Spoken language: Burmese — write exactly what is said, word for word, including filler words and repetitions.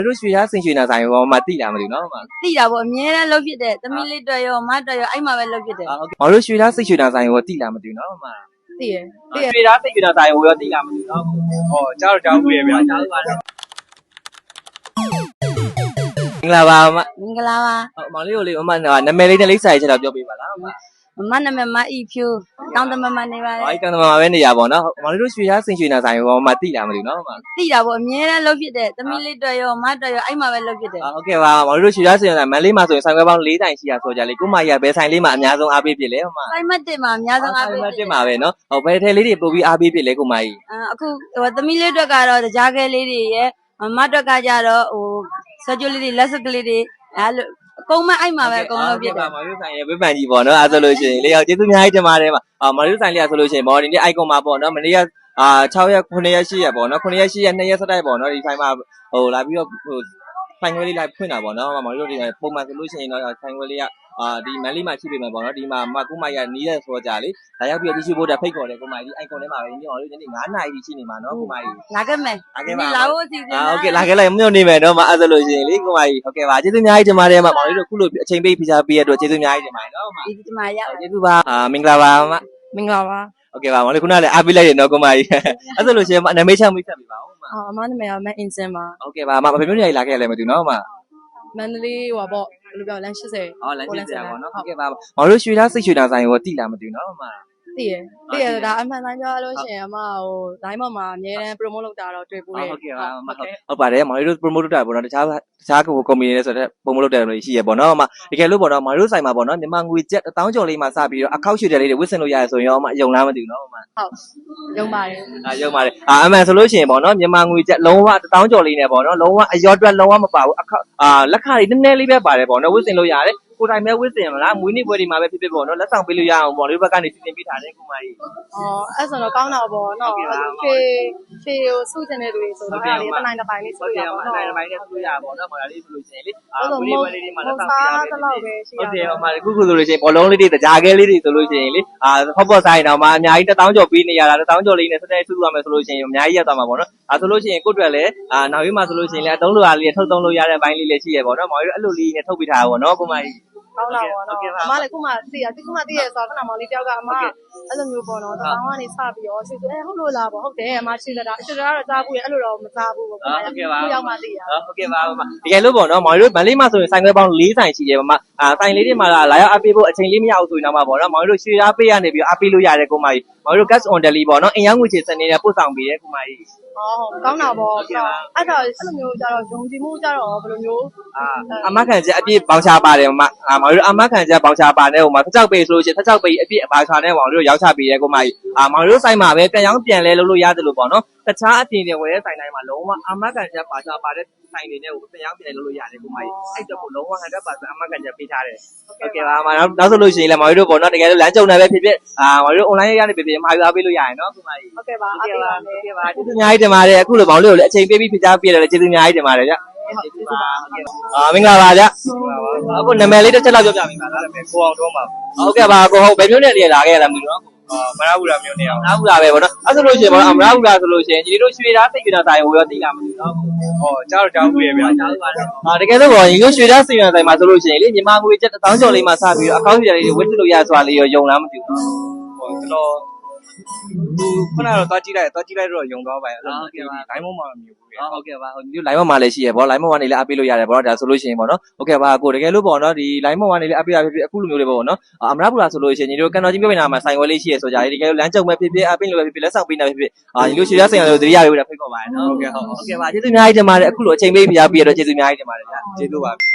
တို့ရွှေသားစင်ရွှေနာဆိုင်ရောမသိလားမသိဘူးနော်မသိတာပေါ့အမြဲတမ်းလှုပ်ဖြစ်တယ်သမီးလေးတွေ့ရောမတွေ့ရောအဲ့မှာပဲလှုပ်ဖြစ်တယ်ဟုတ်ကဲ့မတို့ရွှေသားစင်ရွှေနာဆိုင်ရောသိလားမသိဘူးနော်မသိရသိရရွှေသားစင်ရွှေနာဆိုင်ရောသိလားမသိဘူးနော်ဟောကြားတော့ကြားဘူးရဲ့ဗျာကြားလို့ပါတော့မင်္ဂလာပါမမင်္ဂလာပါဟုတ်မောင်လေးကိုလေးအမနာမည်လေးနဲ့လိပ်စာရေးချက်တော့ပြောပြပါလားမမနာမည်မအီဖြူတောင်းတမမနေပါလေအဲ့တောင်းတမမပဲနေရပါတော့မောင်လေးတို့ရွှေသားစင်ရွှေနာဆိုင်ရောမသိလားမသိဘူးနော်မသိတာပေါ့အမြဲတမ်းလှုပ်ဖြစ်တယ်သမီးလေးတွေ့ရောမတွေ့ရောအဲ့မှာပဲလှုပ်ဖြစ်တယ်ဟုတ်ကဲ့ပါမောင်လေးတို့ရွှေသားစင်ရွှေနာမန်လေးမှာဆိုရင်ဆိုင်ခွဲပေါင်း၄တိုင်ရှိရဆိုကြလေကိုမကြီးကဘယ်ဆိုင်လေးမှာအများဆုံးအားပေးဖြစ်လဲဟိုမှာဆိုင်မတ်တစ်မှာအများဆုံးအားပေးဆိုင်မတ်တစ်မှာပဲနော်ဟိုဘယ်ထဲလေးတွေပို့ပြီးအားပေးဖြစ်လဲကိုမကြီးအခုဟိုသမီးလေးတွေ့ကတော့ကြားခဲလေးတွေရဲ့မတ်တွက်ကကြတော့ဟိုဆွကြိုးလေးတွေလက်စကလေးတွေအဲ့လိုအကုန်မအဲ့မှာပဲအကုန်လုံးဖြစ်တယ်မောင်လေးဆိုင်ရဲ့ဝိပန်ကြီးပေါ့နော်အဲ့ဆိုလို့ရှိရင်လေယောက်ကျေးဇူးအများကြီးတင်ပါတယ်မှာအာမောင်လေးဆိုင်လေးဆိုလို့ရှိရင်မော်ဒီနေ့ icon မှာပေါ့နော်မနေ့ကအာ၆ရက်ခုနှစ်ရက်၈ရက်ပေါ့နော်ခုနှစ်ရက်၈ရက်နှစ်ရက်ဆက်တိုက်ပေါ့နော်ဒီဆိုင်မှာဟိုလာပြီးတော့ဟိုဆိုင်ခွဲလေးလိုက်ဖွင့်တာပေါ့နော်မောင်လေးတို့ဒီပုံမှန်ဆိုလို့ရှိရင်တော့ဆိုင်ခွဲလေးကအာဒီမန်လေးမှာရှိပေမဲ့ပေါ့နော်ဒီမှာမကုမကြီးကနီးရဲဆိုကြလေဒါရောက်ပြီးတော့ဒီရှိဖို့တက်ဖိတ်ခေါ်တယ်ကိုမကြီးဒီ icon ထဲမှာပဲညောင်လို့ဒီနေ့၅နာရီရှိနေမှာနော်ကိုမကြီးလာခဲ့မယ်လာခဲ့ပါလာဖို့အစီအစဉ်ဟုတ်ကဲ့လာခဲ့လိုက်မြို့နေမယ်နော်မအဲ့ဆိုလို့ရှိရင်လေကိုမကြီးဟုတ်ကဲ့ပါကျေးဇူးအများကြီးတင်ပါတယ်မှာမောင်လေးတို့ခုလိုအချိန်ပေးဖိချာပေးရတော့ကျေးဇူးအများကြီးတင်ပါတယ်နော်မဒီဒီမှာရကျေးဇူးပါအာမင်္ဂလာပါမမင်္ဂလာပါဟုတ်ကဲ့ပါမောင်လေးခုနကလည်းအားပေးလိုက်တယ်နော်ကိုမကြီးအဲ့ဆိုလို့ရှိရင်နာမည်ချမိတ်ဆက်ပေးပါဦးမအော်အမနာမည်ကမအင်စင်ပါဟုတ်ကဲ့ပါမဘယ်မျိုးနေလာခဲ့လဲမသိဘူးနော်မမန္တလေးဟိုပေါ့ဘယ်လိုပြောလမ်း၈၀အော်လမ်း၈၀ပေါ့နော်ဟုတ်ကဲ့ပါမောင်တို့ရွှေသားစိတ်ရွှေသားဆိုင်ရောသိလားမသိဘူးနော်မသိရသိရဒါအမှန်တမ်းပြောလို့ရှိရင်အမဟို line ပေါ်မှာအများတန်း promote လုပ်တာတော့တွေ့ပိုးတယ်ဟုတ်ကဲ့ပါမဟုတ်ဟုတ်ပါတယ်မောင်တို့ promote လုပ်တာပေါ့နော်တခြားတခြားကုမ္ပဏီတွေဆိုတော့ promote လုပ်တယ်လို့ရှိရပေါ့နော်အမတကယ်လို့ပေါ့နော်မောင်တို့ဆိုင်မှာပေါ့နော်မြန်မာငွေကျပ်တစ်သောင်းကျော်လေးမှာစပြီးတော့အခောက်ရွှေတယ်လေးတွေဝစ်စင်လို့ရတယ်ဆိုရင်အမယုံလားမသိဘူးနော်အမဟုတ်ယုံပါတယ်အာယုံပါတယ်အာအမှန်ဆိုလို့ရှိရင်ပေါ့နော်မြန်မာငွေကျပ်လုံးဝတစ်သောင်းကျော်လေးနဲ့ပေါ့နော်လုံးဝအရော့အတွက်လုံးဝမပါဘူးအခောက်အာလက်ခါလေးနည်းနည်းလေးပဲပါတယ်ပေါ့နော်ဝစ်စင်လို့ရတယ်ကိုတိုင်မဲ့ဝစ်စင်မလားမွေးနေ့ပွဲဒီမှာပဲဖြစ်ဖြစ်ပေါ့နော်လက်ဆောင်ပေးလို့ရအောင်ပေါ့လေဘက်ကနေစီစဉ်ပေးထားတယ်ကိုမကြီးအော်အဲ့ဆိုတော့ကောင်းတာပေါ့နော်ဖေဖေကိုစုချင်တဲ့သူတွေဆိုတော့အဲ့ဒီတနိုင်တစ်ပိုင်းလေးစုရပါတော့တနိုင်တစ်ပိုင်းလေးစုရပါတော့ဟောဒါလေးဆိုလို့ရှိရင်လေအာမွေးနေ့ပွဲလေးတွေမှာလက်ဆောင်ပေးရမယ်ဟုတ်တယ်ဟောမှာခုခုဆိုလို့ရှိရင်ဘောလုံးလေးတွေတကြားခဲလေးတွေဆိုလို့ရှိရင်လေအာဟော့ပေါ့ဆိုင်တော့မှာအများကြီးတစ်သောင်းကျော်ပေးနေရတာတစ်သောင်းကျော်လေးနဲ့စတဲ့စုရမယ်ဆိုလို့ရှိရင်အများကြီးရသွားမှာပေါ့နော်ဒါဆိုလို့ရှိရင်ကိုယ့်အတွက်လည်းအာနောက်ပြီးမှဆိုလို့ရှိရင်လည်းအတုံးလိုအားလေးထုတ်သုံးလို့ရတဲ့ဘိုင်းလေးလည်းရှိရပေါ့နော်မောင်တို့အဲ့လိုလေးနဲ့ထုတ်ပေးထားတာပေါ့နော်ကိုမကြီးကောင်းတာပေါ့နော်အမလည်းခုမှသိရဒီခုမှသိရဆိုတော့ခဏမောင်လေးတယောက်ကအမအဲ့လိုမျိုးပေါ့နော်တောင်းကနေစပြီးတော့ဆီဆိုအဲဟုတ်လို့လားပေါ့ဟုတ်တယ်အမရှိလက်တာအရှိလက်ကတော့ကြားဘူးရအဲ့လိုတော့မကြားဘူးပေါ့ဟုတ်ကဲ့ပါကိုရောက်မှသိရဟုတ်ကဲ့ပါတကယ်လို့ပေါ့နော်မောင်တို့မန်လေးမှာဆိုရင်ဆိုင်ခွဲပေါင်း၄ဆိုင်ရှိတယ်ပေါ့မအာဆိုင်လေးတွေမှာလာရောက်အပေးဖို့အချိန်လေးမရအောင်ဆိုရင်တော့မှာပေါ့နော်မောင်တို့ရွှေသားပေးရနေပြီးအပေးလို့ရတယ်ကိုမကြီးမောင်တို့ cash on delivery ပေါ့နော်အင်ရောက်ငွေချေစနေနဲ့ပို့ဆောင်ပေးရဲကိုမကြီးဟောကောင်းတာပေါ့အဲ့တော့အဲ့လိုမျိုးကြတော့ယုံကြည်မှုကြတော့ဘယ်လိုမျိုးအာအမခံချက်အပြည့်ပေါင်ချပါတယ်မအာမောင်တို့အမခံချက်ပေါင်ချပါနဲ့ဟိုမှာတစ်ချောက်ပေးဆိုလို့ရှိရင်တစ်ချောက်ပေးအပြည့်အပါချာနဲ့မောင်တို့ရောက်ချပေးရဲကိုမကြီးအာမောင်တို့ဆိုင်မှာပဲပြန်ရောက်ပြန်လဲလုပ်လို့ရတယ်လို့ပေါ့နော်တခြားအပြင်တွေဝယ်တဲ့ဆိုင်တိုင်းမှာလုံးဝအမခံချက်ပါချာပါတဲ့ဆိုင်တွေနဲ့ကိုပြန်ရောက်ပြန်လုပ်လို့ရတယ်ကိုမကြီးအဲ့တော့ကိုလုံးဝ hundred percent အမခံချက်ပေးထားတယ်ဟုတ်ကဲ့ပါမနောက်နောက်ဆိုလို့ရှိရင်လည်းမောင်တို့ပေါ့နော်တကယ်လို့လမ်းကြုံနေပဲဖြစ်ဖြစ်အာမောင်တို့ online ရနေဖြစ်ဖြစ်မှာယူအားပေးလို့ရရင်နော်ကိုမကြီးဟုတ်ကဲ့ပါဟုတ်ကဲ့ပါဟုတ်ကဲ့ပါကျေးဇူးအများကြီးတင်ပါတယ်အခုလိုမောင်လေးကိုလည်းအချိန်ပေးပြီးဖိချားပြရတယ်ကျေးဇူးအများကြီးတင်ပါတယ်ဗျကျေးဇူးပါဟုတ်ကဲ့အာမင်္ဂလာပါဗျအခုနာမည်လေးတစ်ချက်လောက်ပြောပြပေးပါလားကိုအောင်တော့ပါဟုတ်ကဲ့ပါကိုဟုတ်ဘယ်မျိုးနဲ့နေလာခဲ့ရလားမသိဘူးနော်အာမရဘူးလားမျိုးနေအောင်မရဘူးလားပဲဗောနော်အဲ့ဆိုလို့ရှိရင်ဗောနော်မရဘူးလားဆိုလို့ရှိရင်ညီတို့ရွှေသားစိတ်ကြတာဆိုင်ကိုရောသိလားမသိဘူးနော်ဟောကြားတော့ကြားဘူးရဲ့ဗျာကြားလို့ပါတော့အာတကယ်လို့ဗောညီတို့ရွှေသားစိတ်ကြတာဆိုင်မှာဆိုလို့ရှိရင်လေညီမငွေကျပ်တစ်သောင်းကျော်လေးမှစပြီးတော့အကောင့်ကြီးလေးတွေဝစ်လို့ရဆိုတာလေးရောယုံလားမသိဘူးဟောကျွန်တော်ခုနကတော့တွားကြည့်လိုက်တွားကြည့်လိုက်တော့ယုံသွားပါရဲ့ဟုတ်ကဲ့ပါ line ပေါ်မှာမမြင်ဘူးဗျာဟုတ်ကဲ့ပါဟိုဒီ line ပေါ်မှာလည်းရှိရဗော line ပေါ်ကနေလည်းအပေးလို့ရတယ်ဗောနော်ဒါဆိုလို့ရှိရင်ဗောနော်ဟုတ်ကဲ့ပါကိုတကယ်လို့ဗောနော်ဒီ line ပေါ်ကနေလည်းအပေးရဖြစ်ဖြစ်အခုလိုမျိုးလေးဗောနော်အမရပူလာဆိုလို့ရှိရင်ညီတို့ကန်တော်ကြီးပြောနေတာမှာဆိုင်ဝဲလေးရှိရဆိုကြတယ်တကယ်လို့လမ်းကြုံမဲ့ဖြစ်ဖြစ်အပေးလို့ပဲဖြစ်ဖြစ်လက်ဆောင်ပေးနေတာဖြစ်ဖြစ်အာညီတို့ရွှေရဆိုင်ရလို့တတိယလေးပဲဖိတ်ခေါ်ပါရနော်ဟုတ်ကဲ့ဟုတ်ဟုတ်ကဲ့ပါကျေးဇူးအများကြီးတင်ပါတယ်အခုလိုအချိန်ပေးပြပြရတော့ကျေးဇူးအများကြီးတင်ပါတယ်ဗျာကျေးဇူးပါ